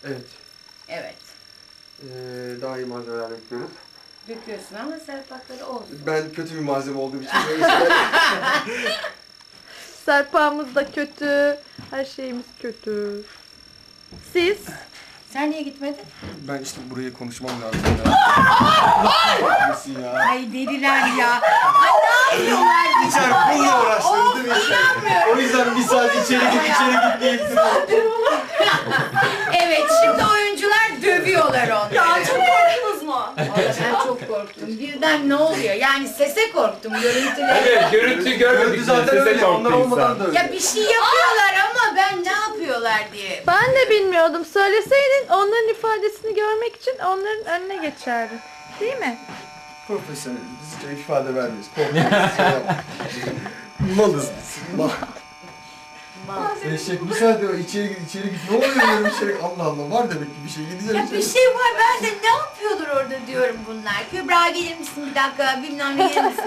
Evet. Evet. Daha iyi malzemeler bekliyoruz. Döküyorsun ama serpakları olsun. Ben kötü bir malzeme olduğum için böyle şeyler... Serpağımız da kötü. Her şeyimiz kötü. Siz? Sen niye gitmedin? Ben işte burayı konuşmam lazım ya. Nesin ya? Ay deliler ya. Ay ne yapıyorlar? İçer bununla uğraştınız değil mi? İnanmıyorum. O yüzden bir saat içeri git diye ittiriyorum. Evet şimdi oyuncular dövüyorlar onları. Ya çok korktunuz mu? Vallahi ben çok korktum. Birden ne oluyor? Yani sese korktum. Görüntüleri. Evet, görüntü görmedik. Görüntü zaten öyle. Onlar olmadan da öyle. Ya bir şey yapıyorlar ama ben ne yapıyorlar diye. Ben de bilmiyordum. Söyleseydin onların ifadesini görmek için onların önüne geçerdin. Değil mi? Profesyonel. Biz hiç ifade vermiyoruz. Korkuyoruz. Şey yapma. Malız biz. Mal. Eşek bir saat içeri git. Ne oluyor diyorum içeri. Allah Allah var demek ki bir şey. Gideceğim Ya içeri. bir şey var ben de ne yapıyordur orada diyorum bunlar. Kübra gelir misin bir dakika bilmem ne gelir misin?